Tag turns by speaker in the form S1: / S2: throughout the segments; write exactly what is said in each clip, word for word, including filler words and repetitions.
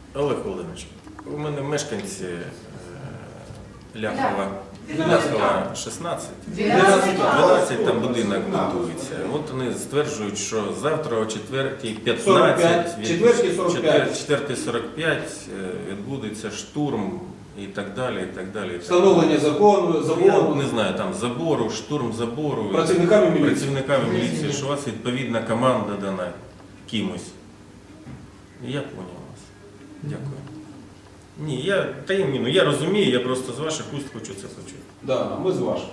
S1: Олег Володимирович, у мене мешканці е, Ляхова, Ляхова шістнадцять, дванадцять там будинок будується. От вони стверджують, що завтра о четвертій п'ятнадцять, четвертій сорок п'ять відбудеться штурм і так далі, і так далі.
S2: Встановлення закону, забору.
S1: Я не знаю, там забору, штурм забору.
S2: Працівниками міліції.
S1: Працівниками міліції, що у вас відповідна команда дана кимось. Я понял вас. Дякую. Ні, я, та й, ну, я розумію, я просто з ваших уст хочу це почути.
S2: Да, ми з ваших.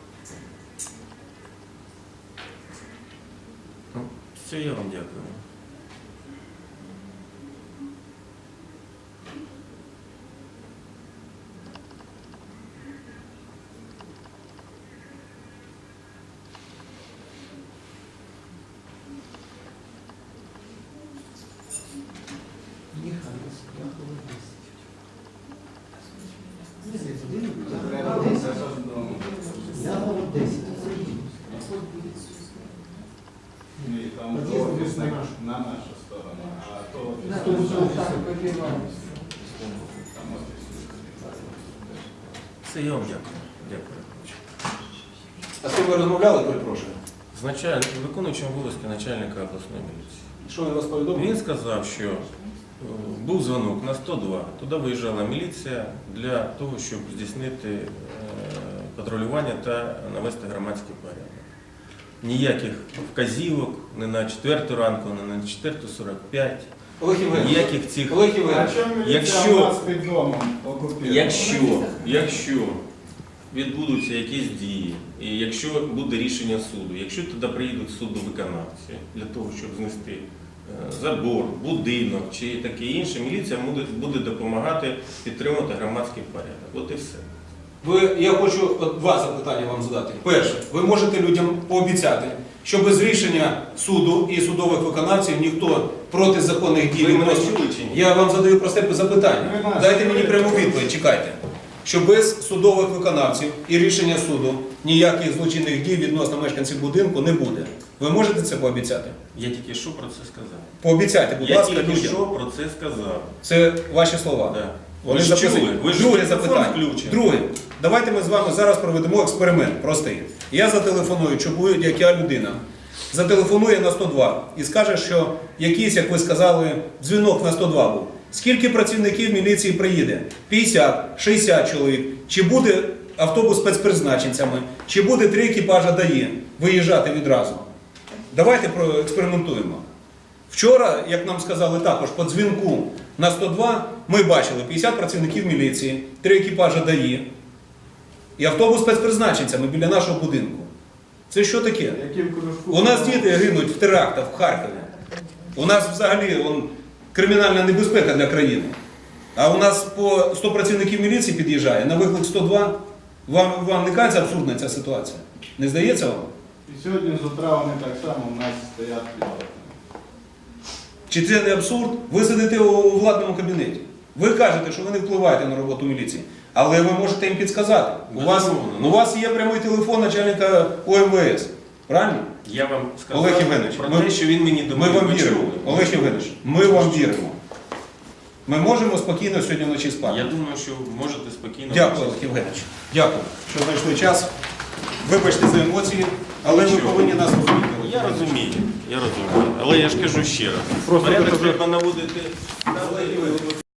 S1: Ну, все, я вам дякую.
S3: На нашу сторону, а то
S1: Все, я вам дякую. Дякую.
S2: А з ким ви розмовляли, перепрошую?
S1: З началь... виконуючим обов'язки начальника обласної міліції.
S2: Що він вас повідомив?
S1: Він сказав, що е, був дзвонок на сто два, туди виїжджала міліція для того, щоб здійснити е, патрулювання та навести громадський порядок. Ніяких вказівок, не на четверту ранку, не на четверту сорок п'ять,
S2: Олег Євгенович,
S1: ніяких цих...
S2: Олег
S3: А
S2: Євгенович,
S3: чому міліція
S1: Якщо-
S3: у нас під домом окупірована?
S1: Якщо, якщо відбудуться якісь дії, і якщо буде рішення суду, якщо туди приїдуть судовиконавці для того, щоб знести е, забор, будинок чи таке інше, міліція буде, буде допомагати підтримувати громадський порядок. От і все.
S2: ви, я хочу от два запитання вам задати. Перше, ви можете людям пообіцяти, що без рішення суду і судових виконавців ніхто проти законних дій
S1: Ви
S2: не
S1: мене
S2: може.
S1: чули чи ні?
S2: Я вам задаю просте
S3: Ви
S2: запитання.
S3: нас
S2: Дайте мені
S3: чуєте?
S2: пряму відповідь, чекайте. Що без судових виконавців і рішення суду ніяких злочинних дій відносно мешканців будинку не буде. Ви можете це пообіцяти?
S1: Я тільки що про це сказав.
S2: Пообіцяйте, будь
S1: Я
S2: ласка,
S1: тільки
S2: людям.
S1: що про це сказав.
S2: Це ваші слова.
S1: Да.
S2: Вони
S1: Ви ж
S2: записані.
S1: чули, ви ж
S2: Друге
S1: телефон
S2: запитання.
S1: включений.
S2: Друге. Давайте ми з вами зараз проведемо експеримент простий. Я зателефоную, чи будь-яка людина зателефонує на сто два і скаже, що якийсь, як ви сказали, дзвінок на сто два був. Скільки працівників міліції приїде? п'ятдесят, шістдесят чоловік. Чи буде автобус з спецпризначенцями? Чи буде три екіпажа ДАІ виїжджати відразу? Давайте проекспериментуємо. Вчора, як нам сказали також, по дзвінку на сто два ми бачили п'ятдесят працівників міліції, три екіпажа ДАІ і автобус з спецпризначенцями біля нашого будинку. Це що таке?
S3: Які в кружку?
S2: У нас діти гинуть в терактах в Харкові. У нас взагалі он, кримінальна небезпека для країни. А у нас по сто працівників міліції під'їжджає на виклик сто два. Вам, вам не кажеться абсурдна ця ситуація? Не здається вам?
S3: І сьогодні з утра вони так само у нас стоять під окнами.
S2: Чи це не абсурд? Ви сидите у владному кабінеті. Ви кажете, що ви не впливаєте на роботу міліції. Але ви можете їм підсказати. У вас, у вас є прямий телефон начальника О Ем В С. Правильно?
S1: Я вам сказав
S2: Олег Євгенович,
S1: про
S2: ми-
S1: те, що він мені
S2: Ми
S1: доповів.
S2: вам
S1: Ви
S2: віримо.
S1: чули?
S2: Олег Євгенович, ми вам віримо. Ми можемо спокійно сьогодні вночі спати.
S1: Я думаю, що можете спокійно...
S2: Дякую, Олег Євгенович. Дякую, що знайшли час. Вибачте за емоції, але ви
S1: Нічого.
S2: повинні нас розуміти.
S1: Я розумію, я розумію. Але я ж кажу ще раз.
S2: Просто
S1: Порядок
S2: ви-
S1: треба наводити...
S2: Олег Євгенович,